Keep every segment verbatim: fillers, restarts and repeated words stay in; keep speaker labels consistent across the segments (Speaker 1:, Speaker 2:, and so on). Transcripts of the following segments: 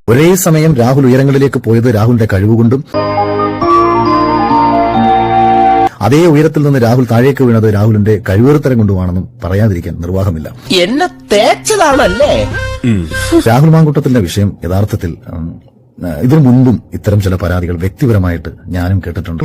Speaker 1: ഒരേ സമയം രാഹുൽ ഉയരങ്ങളിലേക്ക് പോയത് രാഹുലിന്റെ കഴിവുകൊണ്ടും അതേ ഉയരത്തിൽ നിന്ന് രാഹുൽ താഴേക്ക് വീണത് രാഹുലിന്റെ കഴിവേറുത്തരം കൊണ്ടുമാണെന്നും പറയാതിരിക്കാൻ നിർവാഹമില്ല.
Speaker 2: എന്നെ തേച്ചതാണല്ലേ.
Speaker 1: രാഹുൽ മാങ്കൂട്ടത്തിന്റെ വിഷയം യഥാർത്ഥത്തിൽ ഇതിനു മുൻപും ഇത്തരം ചില പരാതികൾ വ്യക്തിപരമായിട്ട് ഞാനും കേട്ടിട്ടുണ്ട്.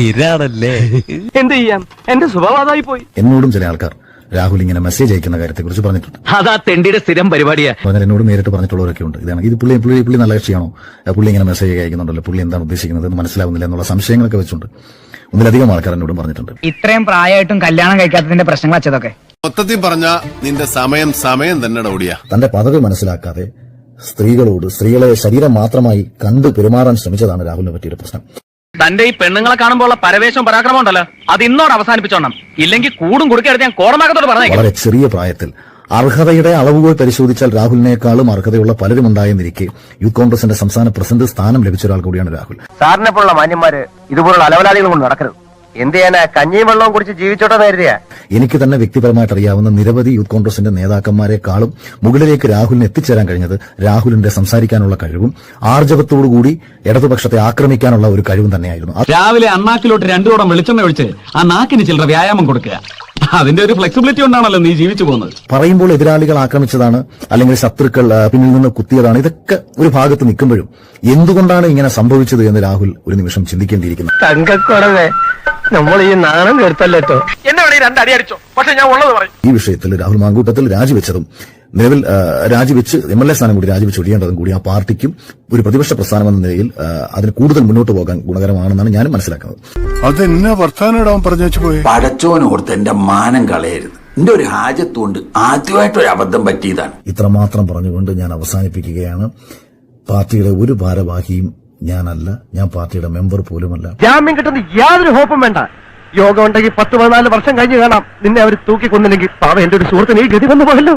Speaker 3: എന്ത് ചെയ്യാം, എന്റെ സ്വഭാവമായി പോയി.
Speaker 1: എന്നോടും ചില ആൾക്കാർ രാഹുൽ ഇങ്ങനെ മെസ്സേജ് അയക്കുന്ന കാര്യത്തെ കുറിച്ച് പറഞ്ഞിട്ടുണ്ട്.
Speaker 3: അതാ തെണ്ടിയുടെ സ്ഥിരം പരിപാടിയാ.
Speaker 1: പറഞ്ഞാൽ എന്നോട് നേരിട്ട് പറഞ്ഞിട്ടുള്ളവരൊക്കെ ഉണ്ട്. ഇതാണ് ഇത് പുള്ളി പുള്ളി പുള്ളി നല്ല കക്ഷിയാണോ, പുള്ളി ഇങ്ങനെ മെസ്സേജ് അയക്കുന്നുണ്ടല്ലോ, പുള്ളി എന്താണ് ഉദ്ദേശിക്കുന്നത് എന്ന് മനസ്സിലാവുന്നില്ല എന്നുള്ള സംശയങ്ങളൊക്കെ വെച്ചുണ്ട്. ഒന്നിലധികം ആൾക്കാർ എന്നോടും പറഞ്ഞിട്ടുണ്ട്.
Speaker 4: ഇത്രയും പ്രായമായിട്ടും കല്യാണം കഴിക്കാത്തതിന്റെ പ്രശ്നങ്ങൾ അച്ഛതൊക്കെ
Speaker 5: മൊത്തത്തിൽ പറഞ്ഞ നിന്റെ സമയം സമയം തന്നെ ഓടിയ
Speaker 1: തന്റെ പദവി മനസ്സിലാക്കാതെ സ്ത്രീകളോട് സ്ത്രീകളെ ശരീരം മാത്രമായി കണ്ടു പെരുമാറാൻ ശ്രമിച്ചതാണ് രാഹുലിനെ പറ്റിയൊരു പ്രശ്നം.
Speaker 3: തന്റെ ഈ പെണ്ണുങ്ങളെ കാണുമ്പോൾ പരവേശവും പരാക്രമം ഉണ്ടല്ലോ, അത് ഇന്നോട് അവസാനിപ്പിച്ചോണം. ഇല്ലെങ്കിൽ കൂടും കുടുക്കെടുത്ത് ഞാൻ കോടമാകത്തോട് പറഞ്ഞു.
Speaker 1: വളരെ ചെറിയ പ്രായത്തിൽ അർഹതയുടെ അളവുകൾ പരിശോധിച്ചാൽ രാഹുലിനേക്കാളും അർഹതയുള്ള പലരും ഉണ്ടായെന്നിരിക്കെ യൂത്ത് കോൺഗ്രസിന്റെ സംസ്ഥാന പ്രസിഡന്റ് സ്ഥാനം ലഭിച്ച ഒരാൾ കൂടിയാണ് രാഹുൽ.
Speaker 6: സാറിനെ പോലുള്ള മാന്യന്മാര് ഇതുപോലുള്ള അലവലാദികൾ കൊണ്ട് നടക്കരുത്. എന്ത് ചെയ്യാനാ, കഞ്ഞിയും വെള്ളവും കുടിച്ച് ജീവിച്ചോട്ടെ നേരിയ.
Speaker 1: എനിക്ക് തന്നെ വ്യക്തിപരമായിട്ട് അറിയാവുന്ന നിരവധി യൂത്ത് കോൺഗ്രസിന്റെ നേതാക്കന്മാരെക്കാളും മുകളിലേക്ക് രാഹുലിന് എത്തിച്ചേരാൻ കഴിഞ്ഞത് രാഹുലിന്റെ സംസാരിക്കാനുള്ള കഴിവും ആർജവത്തോടുകൂടി ഇടതുപക്ഷത്തെ ആക്രമിക്കാനുള്ള ഒരു കഴിവും തന്നെയായിരുന്നു.
Speaker 7: രാവിലെ അണ്ണാക്കിലോട്ട് രണ്ടു തോടം വെളിച്ചെണ്ണ ഒഴിച്ച് ആ നാക്കിന് ചില്ലറ വ്യായാമം കൊടുക്കുക. അതിന്റെ ഒരു ഫ്ലെക്സിബിലിറ്റി കൊണ്ടാണല്ലോ നീ ജീവിച്ചു പോകുന്നത്.
Speaker 1: പറയുമ്പോൾ എതിരാളികൾ ആക്രമിച്ചതാണ്, അല്ലെങ്കിൽ ശത്രുക്കൾ പിന്നിൽ നിന്ന് കുത്തിയതാണ്, ഇതൊക്കെ ഒരു ഭാഗത്ത് നിൽക്കുമ്പോഴും എന്തുകൊണ്ടാണ് ഇങ്ങനെ സംഭവിച്ചത് എന്ന് രാഹുൽ ഒരു നിമിഷം ചിന്തിക്കേണ്ടിയിരിക്കുന്നു.
Speaker 6: തങ്കക്കുറവേ, നമ്മൾ ഈ നാണം കേട്ടല്ലോ.
Speaker 3: എന്നെ വേണേ രണ്ടടി അടിച്ചോ, പക്ഷെ ഞാൻ ഉള്ളത് പറയും.
Speaker 1: ഈ വിഷയത്തിൽ രാഹുൽ മാങ്കൂട്ടത്തിൽ രാജിവെച്ചതും നിലവിൽ രാജിവെച്ച് എം എൽ എ സ്ഥാനം കൂടി രാജിവെച്ച് ഒഴിയേണ്ടതും കൂടി ആ പാർട്ടിക്കും ഒരു പ്രതിപക്ഷ പ്രസ്ഥാനം എന്ന നിലയിൽ അതിന് കൂടുതൽ മുന്നോട്ട് പോകാൻ ഗുണകരമാണെന്നാണ് ഞാനും മനസ്സിലാക്കുന്നത്.
Speaker 5: അതെന്നാ വർത്താനം പറഞ്ഞു പോയി.
Speaker 2: പടച്ചോനോർത്ത് എന്റെ മാനം കളയരുത്. എന്റെ ഒരു ഹാജത്തുകൊണ്ട് ആദ്യമായിട്ടൊരു അബദ്ധം പറ്റിയതാണ്.
Speaker 1: ഇത്രമാത്രം പറഞ്ഞുകൊണ്ട് ഞാൻ അവസാനിപ്പിക്കുകയാണ്. പാർട്ടിയുടെ ഒരു ഭാരവാഹിയും ഞാനല്ല, ഞാൻ പാർട്ടിയുടെ മെമ്പർ പോലുമല്ല.
Speaker 6: ജാമ്യം കിട്ടുന്ന യാതൊരു ഹോപ്പും വേണ്ട. യോഗം ഉണ്ടെങ്കിൽ പത്ത് പതിനാല് വർഷം കഴിഞ്ഞ് കാണാം നിന്നെ അവർ തൂക്കിക്കൊന്നില്ലെങ്കിൽ പാവ എന്റെ ഒരു സുഹൃത്തിന് ഈ ഗതി വന്നു പോയല്ലോ.